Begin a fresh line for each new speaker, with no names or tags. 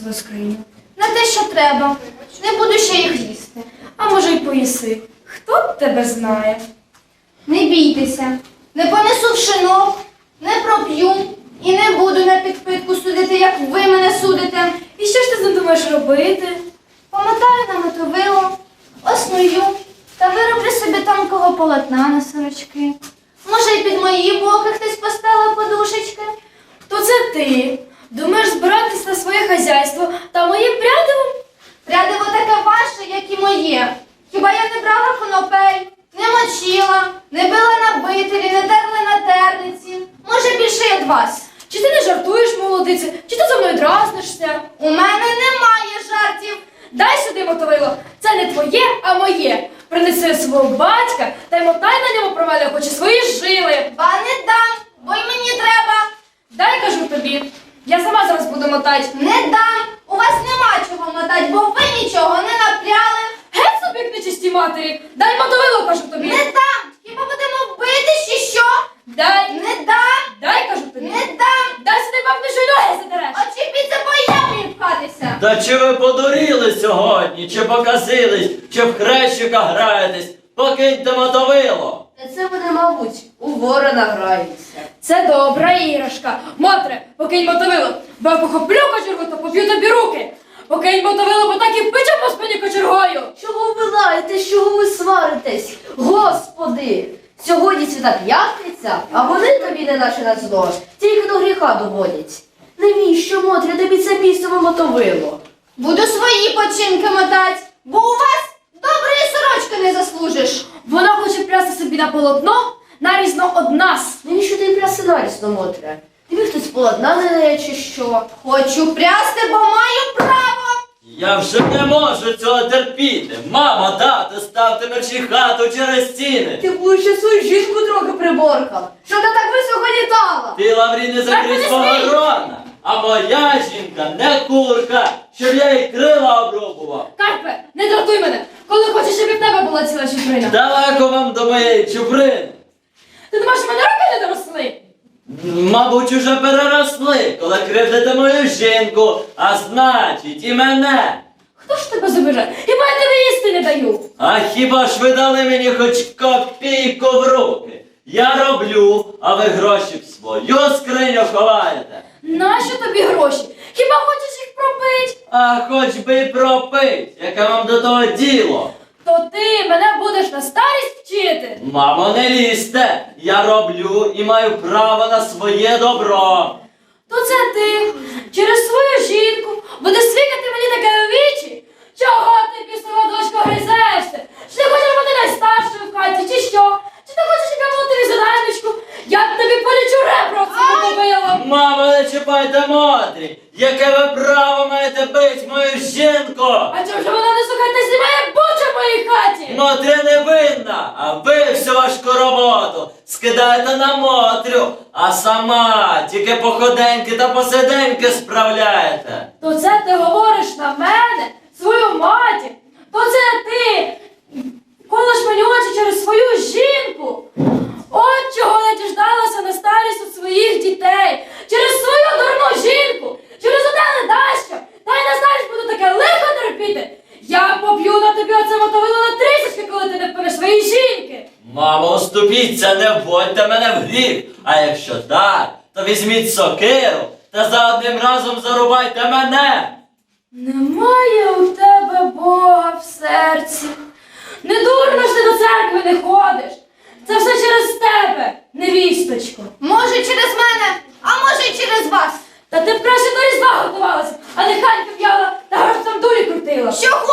свою скриню?
Не те, що треба. Не буду ще їх їсти.
А може й поїси. Хто б тебе знає?
Не бійтеся. Не понесу в шинок, не проп'ю і не буду на підпитку судити, як ви мене судите.
І що ж ти задумаєш робити?
Помотаю на мотовило, осную та вироблю собі тонкого полотна на сорочки. Може, й під мої боки хтось поставив подушечки.
То це ти. Думаєш збиратись на своє хазяйство та моє прядиво?
Прядиво таке ваше, як і моє. Хіба я не брала конопель, не мочила, не била на бителі, не терла на терниці? Може, більше й від вас.
Чи ти не жартуєш, молодице? Чи ти за мною дразнишся?
У мене немає жартів.
Дай сюди мотовило. Це не твоє, а моє. Принеси свого батька та й мотай на ньому про мене, хоч і свої жили.
Ба не дам, бо й мені треба.
Дай, кажу тобі. Я сама зараз буду мотати.
Не дам. У вас нема чого мотати, бо ви нічого не напряли.
Геть собі, як нечисті матері. Дай мотовило, кажу тобі.
Не дам. Хіба будемо бити чи що?
Дай.
Не дам.
Дай, кажу тобі.
Не дам.
Дай сюди, бабки, що й ноги задереш.
Очіпіться, бо я мені пхатися.
Та чи ви подуріли сьогодні, чи показились, чи в хрещика граєтесь? Покиньте мотовило!
Та це вони, мабуть, у ворона граються.
Це добра іграшка. Мотре, покинь мотовило, бо я похоплю кочергу, то поб'ю тобі руки. Покинь мотовило, бо так і пече по спині кочергою.
Чого ви лаєтесь, чого ви сваритесь? Господи! Сьогодні свята п'ятниця, а вони тобі не наче на зло, тільки до гріха доводять. Навіщо, Мотря, тобі це місцеве мотовило?
Буду свої починки мотати, бо у вас доброї сорочки не заслужиш.
Вона хоче прясти собі на полотно, нарізно од нас.
Навіщо ти пряси нарісно, Мотря? Тобі хтось полотна не дає чи що?
Хочу прясти, бо маю право.
Я вже не можу цього терпіти. Мама, тато, ставте мерчі хату через стіни.
Ти будеш ще свою жінку трохи приборкав, що вона так високо літала.
Ти, Лаврі, не закрий свого рона. А моя жінка не курка, щоб я їй крила обрубував.
Карпе, не дратуй мене, коли хочеш, щоб і в тебе була ціла чуприна.
Далеко вам до моєї чуприни.
Ти думаєш, в мене руки не доросли?
Мабуть, уже переросли, коли кривдите мою жінку, а значить і мене.
Хто ж тебе забере? Хіба я тебе їсти не даю?
А хіба ж ви дали мені хоч копійку в руки? Я роблю, а ви гроші в свою скриню ховаєте.
Нащо тобі гроші? Хіба хочеш їх пропить?
А хоч би й пропить, яке вам до того діло.
То ти мене будеш на старість вчити?
Мамо, не лізьте, я роблю і маю право на своє добро.
То це ти через свою жінку будеш свікати мені таке у вічі? Чого ти, пісова дочко, гризешся? Чи ти хочеш бути найстаршою в хаті, чи що? Чи ти хочеш, щоб я була тобі заданечку? Я тобі полічу ребра в цьому побила.
Мамо, не чіпайте Мотрі, яке ви право маєте бить мою жінку?
А чому ж вона не слухає та знімає бучу в моїй хаті?
Мотря не винна, а ви всю важку роботу скидаєте на Мотрю, а сама тільки походеньки та посиденьки справляєте.
То це ти говориш на мене, свою матір? То це ти колиш мені очі через свою жінку? От чого я діждалася на старість від своїх дітей. Через свою дурну жінку, через одне недащо. Та й на старість буду таке лихо терпіти. Я поб'ю на тобі оце мотовило на трісочки, коли ти не впинеш своєї жінки.
Мамо, оступіться, не вводьте мене в гріх, а якщо так, то візьміть сокиру та за одним разом зарубайте мене.
Немає у тебе Бога в серці. Не дурно ж ти до церкви не ходиш. Це все через тебе, невісточко.
Може, через мене, а може й через вас.
Та ти б краще до Різдва готувалася, а не ханьки в'яла та там дурі крутила.
Що